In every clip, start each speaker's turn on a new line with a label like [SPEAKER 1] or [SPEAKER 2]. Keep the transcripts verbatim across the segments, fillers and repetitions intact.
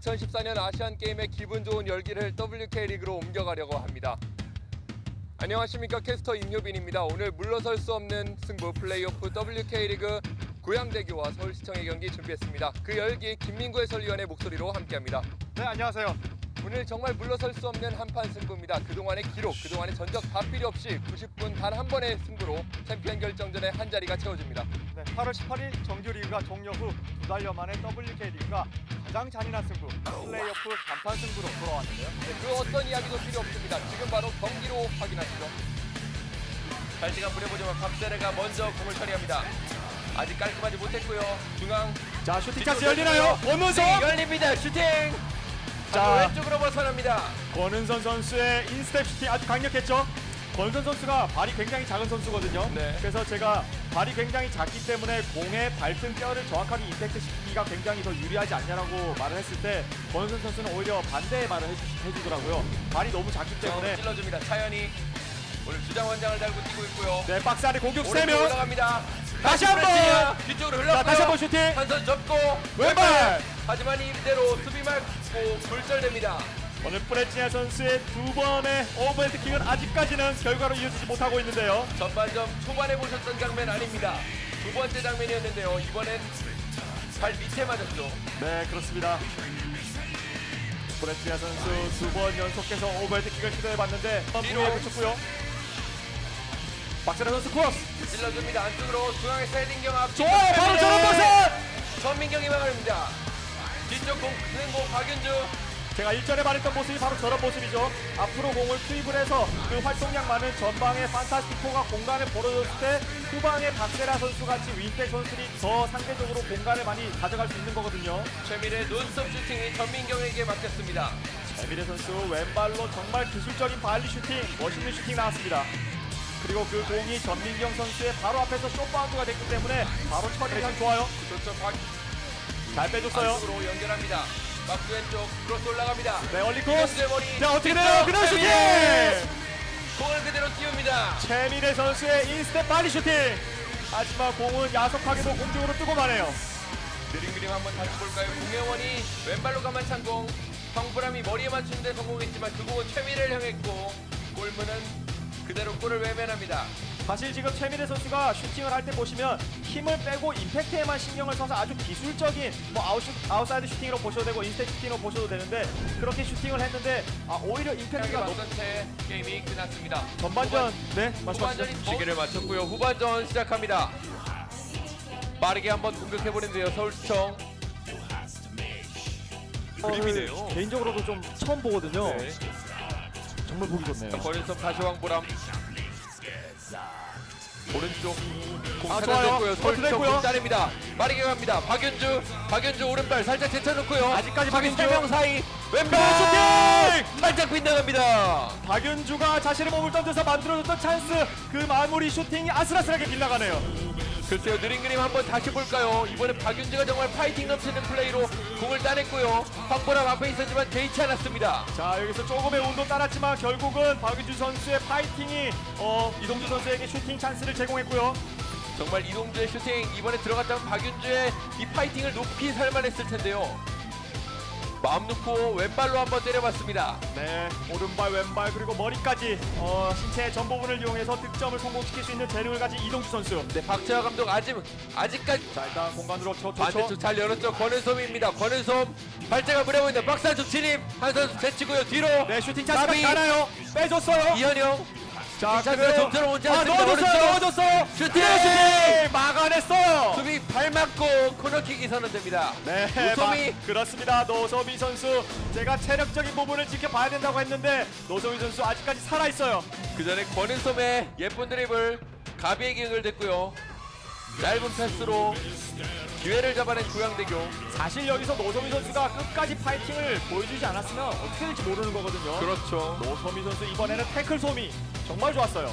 [SPEAKER 1] 이천십사 년 아시안게임의 기분 좋은 열기를 더블유케이 리그로 옮겨가려고 합니다. 안녕하십니까, 캐스터 임효빈입니다. 오늘 물러설 수 없는 승부 플레이오프 더블유케이 리그 고양대교와 서울시청의 경기 준비했습니다. 그 열기 김민구 해설위원의 목소리로 함께합니다.
[SPEAKER 2] 네, 안녕하세요.
[SPEAKER 1] 오늘 정말 물러설 수 없는 한판 승부입니다. 그동안의 기록, 그동안의 전적 다 필요 없이 구십 분 단 한 번의 승부로 챔피언 결정전의 한 자리가 채워집니다.
[SPEAKER 2] 네, 팔월 십팔일 정규리그가 종료 후 두 달여 만에 더블유케이 리그가 가장 잔인한 승부, 플레이오프 간판 승부로 돌아왔는데요.
[SPEAKER 1] 네, 그 어떤 이야기도 필요 없습니다. 지금 바로 경기로 확인하시죠. 잘 시간 부려보지만 박세레가 먼저 공을 처리합니다. 아직 깔끔하지 못했고요. 중앙.
[SPEAKER 2] 자, 슈팅 찬스 열리나요? 권은선!
[SPEAKER 1] 열립니다. 슈팅! 자, 왼쪽으로 벗어납니다.
[SPEAKER 2] 권은선 선수의 인스텝 슈팅 아주 강력했죠? 권은선 선수가 발이 굉장히 작은 선수거든요.
[SPEAKER 1] 네.
[SPEAKER 2] 그래서 제가 발이 굉장히 작기 때문에 공의 발등 뼈를 정확하게 임팩트 시키기가 굉장히 더 유리하지 않냐라고 말을 했을 때 권은선 선수는 오히려 반대의 말을 해주, 해주더라고요. 발이 너무 작기 때문에.
[SPEAKER 1] 찔러줍니다. 차연이 오늘 주장 원장을 달고 뛰고 있고요.
[SPEAKER 2] 네, 박스 안에 공격 세
[SPEAKER 1] 오른쪽
[SPEAKER 2] 명.
[SPEAKER 1] 올라갑니다.
[SPEAKER 2] 다시 한 번!
[SPEAKER 1] 뒤쪽으로 흘렀고요.
[SPEAKER 2] 자, 다시 한 번 슈팅!
[SPEAKER 1] 한 손 접고
[SPEAKER 2] 왼발!
[SPEAKER 1] 하지만 이대로 수비 막고 굴절됩니다.
[SPEAKER 2] 오늘 프레치아 선수의 두 번의 오버헤드킥은 아직까지는 결과로 이어지지 못하고 있는데요.
[SPEAKER 1] 전반전 초반에 보셨던 장면 아닙니다. 두 번째 장면이었는데요. 이번엔 발 밑에 맞았죠.
[SPEAKER 2] 네, 그렇습니다. 프레치아 선수 두 번 연속해서 오버헤드킥을 시도해봤는데 뒤로 붙였고요. 박세라 선수 크로스!
[SPEAKER 1] 찔러줍니다. 안쪽으로 중앙에 슬라이딩경 앞.
[SPEAKER 2] 좋아요! 바로 저런 모습!
[SPEAKER 1] 전민경이 막아냅니다. 뒤쪽 공 크는 공 박윤주.
[SPEAKER 2] 제가 일전에 말했던 모습이 바로 저런 모습이죠. 앞으로 공을 투입을 해서 그 활동량 많은 전방의 판타스티코가 공간을 벌어줬을 때 후방의 박세라 선수같이 윙백 선수들이 더 상대적으로 공간을 많이 가져갈 수 있는 거거든요.
[SPEAKER 1] 최민의 논스톱 슈팅이 전민경에게 맡겼습니다.
[SPEAKER 2] 최민의 선수 왼발로 정말 기술적인 발리 슈팅, 멋있는 슈팅 나왔습니다. 그리고 그 공이 전민경 선수의 바로 앞에서 숏바운드가 됐기 때문에 바로 처리가 좋아요.
[SPEAKER 1] 그렇죠. 박...
[SPEAKER 2] 잘 빼줬어요.
[SPEAKER 1] 안쪽으로 연결합니다. 박스 왼쪽 크로스 올라갑니다.
[SPEAKER 2] 네, 얼리 코스.
[SPEAKER 1] 머리.
[SPEAKER 2] 자, 어떻게 되나요? 그대로 슈팅!
[SPEAKER 1] 공을 그대로 띄웁니다.
[SPEAKER 2] 최민혜 선수의 인스텝 발리 슈팅! 하지만 공은 야속하게도 공중으로 뜨고 가네요.
[SPEAKER 1] 느린 그림 한번 다시 볼까요? 공혜원이 왼발로 가만 찬 공. 황보람이 머리에 맞추는데 성공했지만 그 공은 최민혜를 향했고 골문은 그대로 골을 외면합니다.
[SPEAKER 2] 사실 지금 최민혜 선수가 슈팅을 할 때 보시면 힘을 빼고 임팩트에만 신경을 써서 아주 기술적인 뭐 아웃슈, 아웃사이드 슈팅으로 보셔도 되고 인스텝 슈팅으로 보셔도 되는데 그렇게 슈팅을 했는데 아, 오히려 임팩트가 높은
[SPEAKER 1] 채 게임이 끝났습니다.
[SPEAKER 2] 전반전 네
[SPEAKER 1] 후반전이 시기를 맞췄고요. 후반전 시작합니다. 빠르게 한번 공격해보는데요. 서울시청. 그림이네요.
[SPEAKER 2] 개인적으로도 좀 처음 보거든요.
[SPEAKER 1] 네.
[SPEAKER 2] 정말 보기 좋네요.
[SPEAKER 1] 권인섭 다시 황보람. 오른쪽 공
[SPEAKER 2] 아,
[SPEAKER 1] 찾아냈고요. 서울시청
[SPEAKER 2] 됐고요.
[SPEAKER 1] 공 따냅니다. 빠르게 갑니다. 박윤주. 박윤주 오른발 살짝 제쳐놓고요.
[SPEAKER 2] 아직까지 박윤주.
[SPEAKER 1] 세 명 사이 왼발 슈팅! 살짝 빗나갑니다.
[SPEAKER 2] 박윤주가 자신의 몸을 던져서 만들어줬던 찬스 그 마무리 슈팅이 아슬아슬하게 빗나가네요.
[SPEAKER 1] 글쎄요, 느린 그림 한번 다시 볼까요? 이번엔 박윤주가 정말 파이팅 넘치는 플레이로 공을 따냈고요. 황보람 앞에 있었지만 개의치 않았습니다.
[SPEAKER 2] 자, 여기서 조금의 운도 따랐지만 결국은 박윤주 선수의 파이팅이 어, 이동주 선수에게 슈팅 찬스를 제공했고요.
[SPEAKER 1] 정말 이동주의 슈팅 이번에 들어갔다면 박윤주의 이 파이팅을 높이 살만했을 텐데요. 마음 놓고 왼발로 한번 때려봤습니다.
[SPEAKER 2] 네, 오른발, 왼발 그리고 머리까지 어, 신체의 전 부분을 이용해서 득점을 성공시킬 수 있는 재능을 가진 이동주 선수.
[SPEAKER 1] 네, 박재화 감독 아직 아직까지
[SPEAKER 2] 자, 일단 공간으로 쳐,
[SPEAKER 1] 반대쪽 잘 열었죠. 권은솜입니다. 권은솜 발재가 무려보이는데 박스 안쪽 진입. 한 선수 제치고요. 뒤로.
[SPEAKER 2] 네, 슈팅 찬스가
[SPEAKER 1] 나비.
[SPEAKER 2] 가나요? 빼줬어요.
[SPEAKER 1] 이현영.
[SPEAKER 2] 자,
[SPEAKER 1] 찬스가 좀처럼 오지
[SPEAKER 2] 아,
[SPEAKER 1] 않습니다.
[SPEAKER 2] 넣어줬어요,
[SPEAKER 1] 오른쪽.
[SPEAKER 2] 넣어줬어요.
[SPEAKER 1] 슈팅!
[SPEAKER 2] 슈팅! 막아냈어요.
[SPEAKER 1] 수비 발 맞고 코너킥이 선언됩니다.
[SPEAKER 2] 네,
[SPEAKER 1] 노소미.
[SPEAKER 2] 마, 그렇습니다. 노소미 선수 제가 체력적인 부분을 지켜봐야 된다고 했는데 노소미 선수 아직까지 살아있어요.
[SPEAKER 1] 그 전에 권은솜의 예쁜 드리블 가비에게 연결됐고요. 짧은 패스로 기회를 잡아낸 고양대교.
[SPEAKER 2] 사실 여기서 노소미 선수가 끝까지 파이팅을 보여주지 않았으면 어떻게 될지 모르는 거거든요.
[SPEAKER 1] 그렇죠.
[SPEAKER 2] 노소미 선수 이번에는 태클 소미 정말 좋았어요.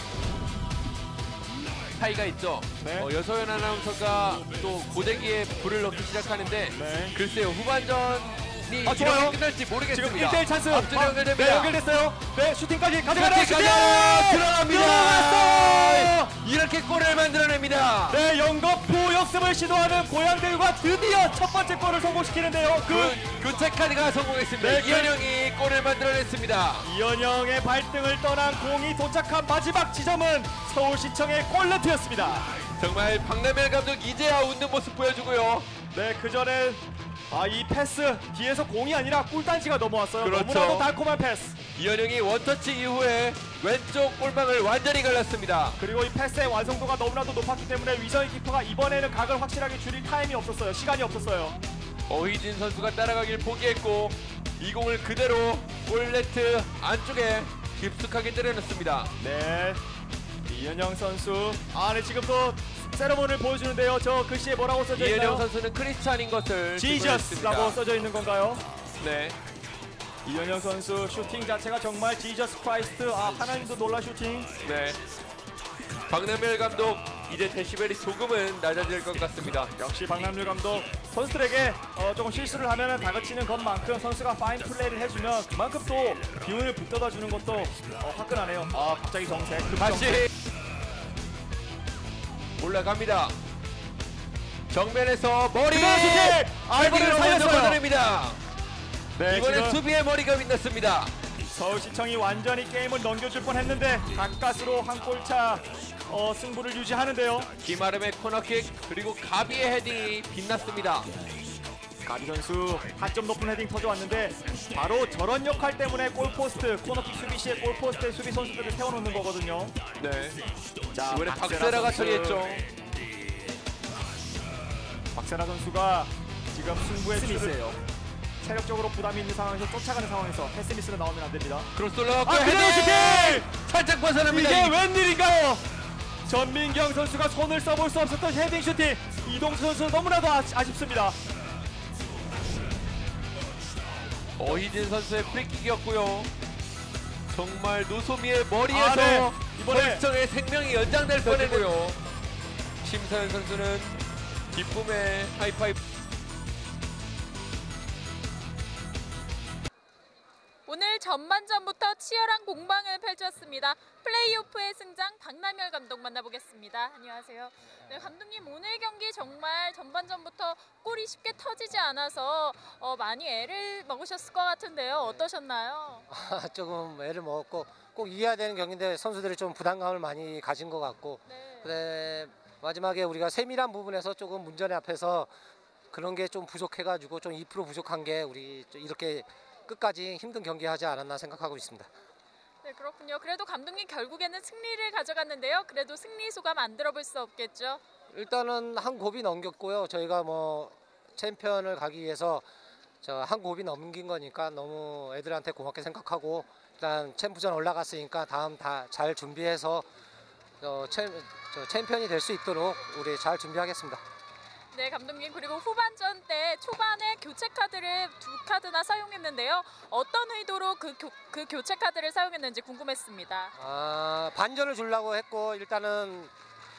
[SPEAKER 1] 차이가 있죠.
[SPEAKER 2] 네.
[SPEAKER 1] 어, 여서연 아나운서가 또 고데기에 불을 넣기 시작하는데
[SPEAKER 2] 네.
[SPEAKER 1] 글쎄요, 후반전이
[SPEAKER 2] 아, 좋아요.
[SPEAKER 1] 이렇게 끝날지 모르겠습니다.
[SPEAKER 2] 지금 일 대 일 찬스.
[SPEAKER 1] 앞쪽에
[SPEAKER 2] 아,
[SPEAKER 1] 연결됩니다.
[SPEAKER 2] 네, 연결됐어요. 네, 슈팅까지 가져가나요?
[SPEAKER 1] 슈팅
[SPEAKER 2] 슈팅!
[SPEAKER 1] 가자! 들어갑니다.
[SPEAKER 2] 들어갔어!
[SPEAKER 1] 이렇게 이렇게 골을 만들어냅니다.
[SPEAKER 2] 네, 영거푸 역습을 시도하는 고양대유가 드디어 첫 번째 골을 성공시키는데요. 그
[SPEAKER 1] 그 교체 카드가 성공했습니다.
[SPEAKER 2] 네, 그-
[SPEAKER 1] 이현영이 골을 만들어냈습니다.
[SPEAKER 2] 이현영의 발등을 떠난 공이 도착한 마지막 지점은 서울시청의 골네트였습니다.
[SPEAKER 1] 정말 박남일 감독 이제야 웃는 모습 보여주고요.
[SPEAKER 2] 네, 그 전에 아, 이 패스 뒤에서 공이 아니라 꿀단지가 넘어왔어요.
[SPEAKER 1] 그렇죠.
[SPEAKER 2] 너무나도 달콤한 패스.
[SPEAKER 1] 이현영이 원터치 이후에 왼쪽 골망을 완전히 갈랐습니다.
[SPEAKER 2] 그리고 이 패스의 완성도가 너무나도 높았기 때문에 위성희 키퍼가 이번에는 각을 확실하게 줄일 타임이 없었어요. 시간이 없었어요.
[SPEAKER 1] 어휘진 선수가 따라가길 포기했고 이 공을 그대로 골네트 안쪽에 깊숙하게 때려넣습니다.
[SPEAKER 2] 네, 이현영 선수 아, 네, 지금 또 세레모니를 보여주는데요. 저 글씨에 뭐라고 써져 있나요?
[SPEAKER 1] 이현영 선수는 크리스찬인 것을
[SPEAKER 2] 지저스라고 써져 있는 건가요?
[SPEAKER 1] 네.
[SPEAKER 2] 이현영 선수 슈팅 자체가 정말 지저스 크라이스트. 아, 하나님도 놀라 슈팅.
[SPEAKER 1] 네. 박남일 감독 이제 데시벨이 조금은 낮아질 것 같습니다.
[SPEAKER 2] 역시 박남률 감독 선수들에게 어, 조금 실수를 하면 다그치는 것만큼 선수가 파인 플레이를 해주면 그만큼 또 기운을 북돋아 주는 것도 어, 화끈하네요. 아, 갑자기 정색. 급정색.
[SPEAKER 1] 다시 올라갑니다. 정면에서 머리
[SPEAKER 2] 슈팅! 아, 이번에는
[SPEAKER 1] 헤딩으로 먼저
[SPEAKER 2] 살렸어요.
[SPEAKER 1] 걷어냅니다.
[SPEAKER 2] 네,
[SPEAKER 1] 이번엔
[SPEAKER 2] 지금
[SPEAKER 1] 수비의 머리가 빛났습니다.
[SPEAKER 2] 서울시청이 완전히 게임을 넘겨줄 뻔했는데 가까스로 한 골차 어, 승부를 유지하는데요.
[SPEAKER 1] 김아름의 코너킥 그리고 가비의 헤딩이 빛났습니다.
[SPEAKER 2] 가비 선수 타점 높은 헤딩 터져왔는데 바로 저런 역할 때문에 골포스트 코너킥 수비 시에 골포스트에 수비 선수들을 세워놓는 거거든요.
[SPEAKER 1] 네.
[SPEAKER 2] 자,
[SPEAKER 1] 이번에
[SPEAKER 2] 박세라
[SPEAKER 1] 박세라가
[SPEAKER 2] 선수.
[SPEAKER 1] 처리했죠.
[SPEAKER 2] 박세라 선수가 지금 승부의 추를 체력적으로 부담이 있는 상황에서 쫓아가는 상황에서 패스미스로 나오면 안 됩니다.
[SPEAKER 1] 크로스 올라갔고
[SPEAKER 2] 아, 그대로 슈팅!
[SPEAKER 1] 살짝 벗어납니다.
[SPEAKER 2] 이게 웬일인가요? 전민경 선수가 손을 써볼 수 없었던 헤딩 슈팅. 이동수 선수 너무나도 아, 아쉽습니다.
[SPEAKER 1] 어희진 선수의 프리킥이었고요. 정말 노소미의 머리에서
[SPEAKER 2] 아, 네. 이번에
[SPEAKER 1] 서울시청의 생명이 연장될 뻔했고요. 심사현 선수는 기쁨의 하이파이브.
[SPEAKER 3] 오늘 전반전부터 치열한 공방을 펼쳤습니다. 플레이오프의 승장 박남열 감독 만나보겠습니다. 안녕하세요. 네, 감독님 오늘 경기 정말 전반전부터 골이 쉽게 터지지 않아서 어, 많이 애를 먹으셨을 것 같은데요. 어떠셨나요?
[SPEAKER 4] 아, 조금 애를 먹었고 꼭 이겨야 되는 경기인데 선수들이 좀 부담감을 많이 가진 것 같고
[SPEAKER 3] 네.
[SPEAKER 4] 그래 마지막에 우리가 세밀한 부분에서 조금 문전에 앞에서 그런 게 좀 부족해가지고 좀 이 퍼센트 부족한 게 우리 좀 이렇게 끝까지 힘든 경기하지 않았나 생각하고 있습니다.
[SPEAKER 3] 네, 그렇군요. 그래도 감독님 결국에는 승리를 가져갔는데요. 그래도 승리 소감 안 들어볼 수 없겠죠?
[SPEAKER 4] 일단은 한 곱이 넘겼고요. 저희가 뭐 챔피언을 가기 위해서 저 한 곱이 넘긴 거니까 너무 애들한테 고맙게 생각하고 일단 챔프전 올라갔으니까 다음 다 잘 준비해서 어, 챔, 저 챔피언이 될 수 있도록 우리 잘 준비하겠습니다.
[SPEAKER 3] 네, 감독님 그리고 후반전 때 초반에 교체 카드를 두 카드나 사용했는데요. 어떤 의도로 그, 교, 그 교체 카드를 사용했는지 궁금했습니다.
[SPEAKER 4] 아, 반전을 주려고 했고 일단은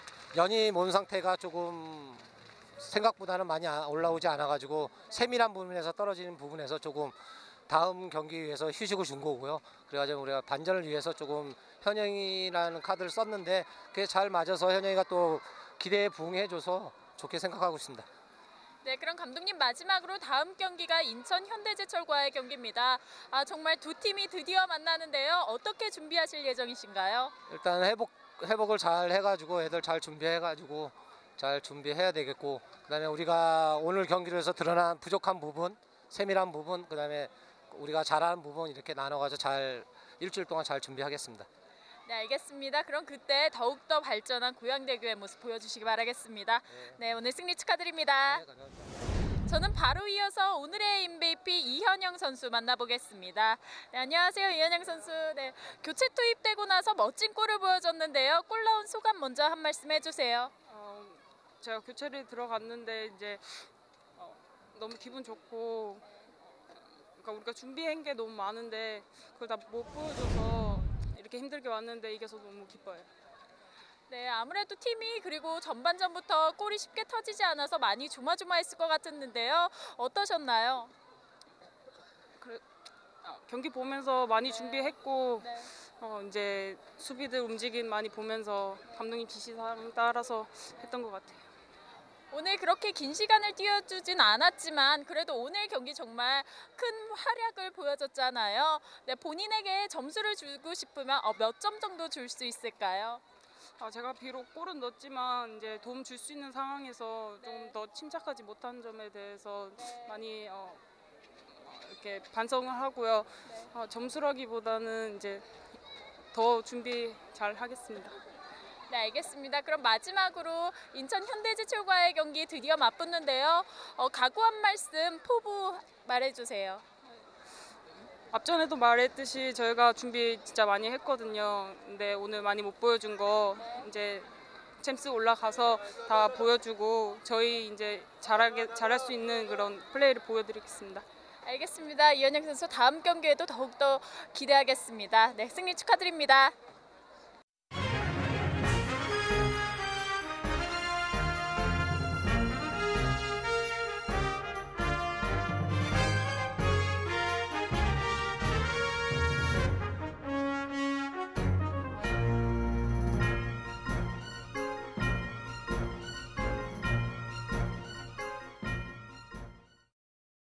[SPEAKER 4] 연이 몸 상태가 조금 생각보다는 많이 아- 올라오지 않아가지고 세밀한 부분에서 떨어지는 부분에서 조금 다음 경기 위해서 휴식을 준 거고요. 그래가지고 우리가 반전을 위해서 조금 현영이라는 카드를 썼는데 그게 잘 맞아서 현영이가 또 기대에 부응해줘서 좋게 생각하고 있습니다.
[SPEAKER 3] 네, 그럼 감독님 마지막으로 다음 경기가 인천 현대제철과의 경기입니다. 아, 정말 두 팀이 드디어 만나는데요. 어떻게 준비하실 예정이신가요?
[SPEAKER 4] 일단 회복 회복을 잘 해가지고 애들 잘 준비해가지고 잘 준비해야 되겠고 그다음에 우리가 오늘 경기를 해서 드러난 부족한 부분, 세밀한 부분, 그다음에 우리가 잘하는 부분 이렇게 나눠가지고 잘 일주일 동안 잘 준비하겠습니다.
[SPEAKER 3] 네, 알겠습니다. 그럼 그때 더욱더 발전한 고양대교의 모습 보여주시기 바라겠습니다. 네, 오늘 승리 축하드립니다. 저는 바로 이어서 오늘의 엠브이피 이현영 선수 만나보겠습니다. 네, 안녕하세요, 이현영 선수. 네, 교체 투입되고 나서 멋진 골을 보여줬는데요. 골 나온 소감 먼저 한 말씀 해주세요.
[SPEAKER 5] 어, 제가 교체를 들어갔는데 이제 어, 너무 기분 좋고 그러니까 우리가 준비한 게 너무 많은데 그걸 다 못 보여줘서 이렇게 힘들게 왔는데 이겨서 너무 기뻐요.
[SPEAKER 3] 네, 아무래도 팀이 그리고 전반전부터 골이 쉽게 터지지 않아서 많이 조마조마했을 것 같았는데요. 어떠셨나요?
[SPEAKER 5] 그래, 아, 경기 보면서 많이 준비했고
[SPEAKER 3] 네.
[SPEAKER 5] 어, 이제 수비들 움직임 많이 보면서 감독님 지시사항 따라서 했던 것 같아요.
[SPEAKER 3] 오늘 그렇게 긴 시간을 뛰어주진 않았지만 그래도 오늘 경기 정말 큰 활약을 보여줬잖아요. 네, 본인에게 점수를 주고 싶으면 어, 몇 점 정도 줄 수 있을까요?
[SPEAKER 5] 아, 제가 비록 골은 넣었지만 이제 도움 줄 수 있는 상황에서
[SPEAKER 3] 네.
[SPEAKER 5] 좀 더 침착하지 못한 점에 대해서
[SPEAKER 3] 네.
[SPEAKER 5] 많이 어, 이렇게 반성을 하고요.
[SPEAKER 3] 네.
[SPEAKER 5] 어, 점수라기보다는 이제 더 준비 잘 하겠습니다.
[SPEAKER 3] 네, 알겠습니다. 그럼 마지막으로 인천 현대제철과의 경기 드디어 맞붙는데요. 어, 각오한 말씀 포부 말해주세요.
[SPEAKER 5] 앞전에도 말했듯이 저희가 준비 진짜 많이 했거든요. 근데 오늘 많이 못 보여준 거 이제 챔스 올라가서 다 보여주고 저희 이제 잘하게 잘할 수 있는 그런 플레이를 보여드리겠습니다.
[SPEAKER 3] 알겠습니다. 이현영 선수 다음 경기에도 더욱더 기대하겠습니다. 네, 승리 축하드립니다.